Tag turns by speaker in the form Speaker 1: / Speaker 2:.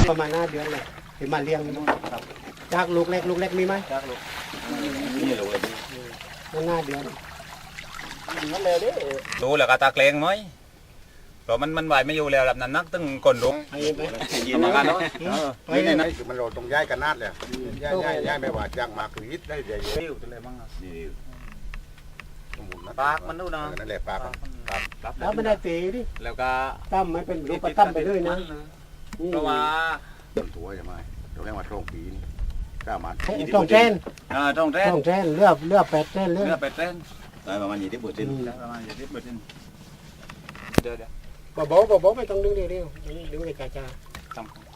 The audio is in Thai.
Speaker 1: ประมาณ5 เดือนเลยถึงมาเลี้ยงจากลูกเล็กมีไหม
Speaker 2: จากลูกนี่ลูกเลย
Speaker 1: มัน5 เดือน
Speaker 2: นั่นเลยดิดูแล้วก็ตาเกรงไหมเพราะมันไหวไม่อยู่แล้วแบบนั้นนักตึงก้นลุก
Speaker 1: ไปไป
Speaker 2: ยินมากันเนาะ
Speaker 3: นี่นี่คือมันโรตรงย้ายกันนาดเลยย้ายไม่ว่าจ้างมาคือฮิตได้เดี๋ยว
Speaker 2: ติ้วตัวอะไรบ้างนี่ ปากมันดูนะ
Speaker 3: นั่นแหละปากครับ
Speaker 1: แล้วไม่ได้ตีดิ
Speaker 2: แล้วก็
Speaker 1: ตั้มไม่เป็นรูปตั้มไปด้วยนะ
Speaker 2: เพราะว่า
Speaker 3: ต้นถั่วใช่ไหมเราเรียกว่าตรงปีนี่ก้ามัน
Speaker 1: ต้องเส้น
Speaker 2: ต้องเต้น
Speaker 1: ต้องเส้นเลือก8 เส้นเลือ
Speaker 2: เนื้อก เป็ดเต้น
Speaker 4: ได้ประมาณ20%
Speaker 2: ประมาณอย่างนี้เปิดดินเดี๋ยว
Speaker 1: บ่บ่ไม่ต้องดึงเดียวดึงไปกาจา
Speaker 2: ทำ